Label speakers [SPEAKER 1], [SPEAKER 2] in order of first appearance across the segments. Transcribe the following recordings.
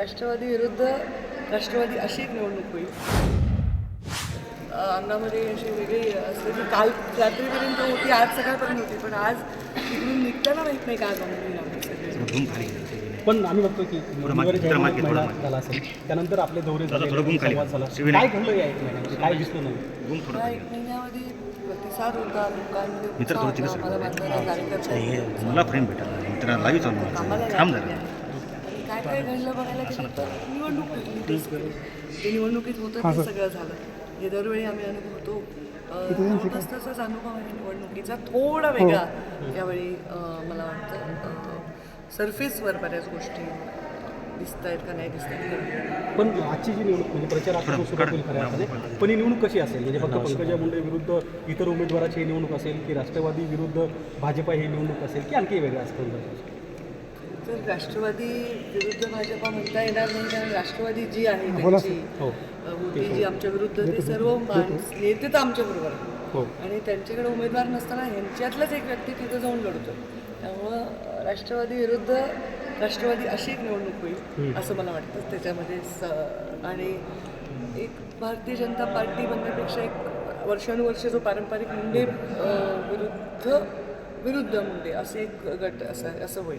[SPEAKER 1] राष्ट्रवादी विरुद्ध राष्ट्रवादी अशी एक निवडणूक होईल. अंगामध्ये अशी वेगळी असलेली काल रात्रीपर्यंत होती, आज सकाळपर्यंत होती, पण आज तिकडून निघताना माहीत नाही काय जमून.
[SPEAKER 2] पण आम्ही बघतो की महिना झाला असेल, त्यानंतर आपले दौरे झाले, संवाद झाला. काय घडलं या 1 महिन्यामध्ये, काय दिसलं नाही?
[SPEAKER 1] या 1 महिन्यामध्ये प्रतिसाद होता लोकांमध्ये, मला बांधणारा कार्यकर्ता
[SPEAKER 3] मला फ्रेंड भेटायला लाईव्ह चालू थांब झालं.
[SPEAKER 1] काय काय घडलं बघायला गेलं तर निवडणूक होती. ते निवडणुकीत होतं ते सगळं झालं. हे दरवेळी आम्ही अनुभवतो. तसाच अनुभव आहे निवडणुकीचा, थोडा वेगळा यावेळी. मला वाटतं सरफेसवर बऱ्याच गोष्टी दिसत आहेत का नाही दिसत आहेत.
[SPEAKER 2] पण आजची जी निवडणूक म्हणजे प्रचारापासून सुरुवात होईल खऱ्या अर्थाने, पण ही निवडणूक कशी असेल? म्हणजे फक्त पंकजा मुंडे विरुद्ध इतर उमेदवाराची ही निवडणूक असेल, की राष्ट्रवादी विरुद्ध भाजपा ही निवडणूक असेल, की आणखी वेगळं असतं?
[SPEAKER 1] तर राष्ट्रवादी विरुद्ध भाजपा म्हणता येणार नाही, कारण राष्ट्रवादी जी आहे त्यांची होती जी आमच्या विरुद्ध, ते सर्व नेते तर आमच्याबरोबर आहेत आणि त्यांच्याकडे उमेदवार नसताना ह्यांच्यातलाच एक व्यक्ती तिथं जाऊन लढतो. त्यामुळं राष्ट्रवादी विरुद्ध राष्ट्रवादी अशी एक निवडणूक होईल असं मला वाटतं. त्याच्यामध्ये आणि एक भारतीय जनता पार्टी बनण्यापेक्षा एक वर्षानुवर्ष जो पारंपरिक मुंडे विरुद्ध मुंडे असे एक गट असं होईल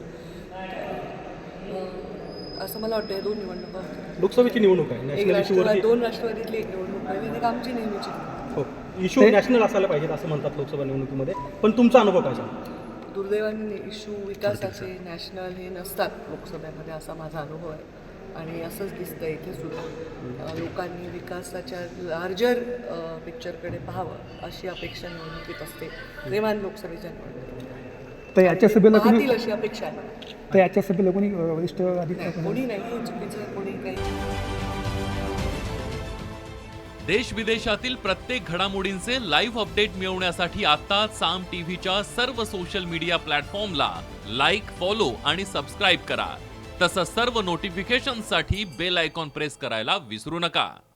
[SPEAKER 1] असं मला वाटतं. 2 निवडणुका होत्या.
[SPEAKER 2] लोकसभेची निवडणूक आहे,
[SPEAKER 1] एक राष्ट्रवादी, 2 राष्ट्रवादीतली एक निवडणूक आहे आणि एक आमची नेहमीची.
[SPEAKER 2] हो, इश्यू नॅशनल असायला पाहिजेत असं म्हणतात लोकसभा निवडणुकीमध्ये, पण तुमचा अनुभव काय सांगा?
[SPEAKER 1] दुर्दैवाने इश्यू विकासाचे नॅशनल हे नसतात लोकसभेमध्ये, असा माझा अनुभव आहे. आणि असंच दिसतं इथे सुद्धा. लोकांनी विकासाच्या लार्जर पिक्चरकडे पाहावं अशी अपेक्षा निवडणुकीत असते, किमान लोकसभेच्या निवडणुकीत.
[SPEAKER 4] तर याच्या सभेला
[SPEAKER 1] पाहतील अशी अपेक्षा आहे.
[SPEAKER 4] तर याच्या सभेला कोणी वरिष्ठ अधिकारी
[SPEAKER 1] कोणी नाही, हे चुकीचं कोणी काही.
[SPEAKER 5] देश विदेशातील प्रत्येक घडामोडींचे लाईव्ह अपडेट मिळवण्यासाठी आता साम टीव्हीच्या सर्व सोशल मीडिया प्लॅटफॉर्मला लाईक, फॉलो आणि सबस्क्राईब करा. तसंच सर्व नोटिफिकेशनसाठी बेल आयकॉन प्रेस करायला विसरू नका.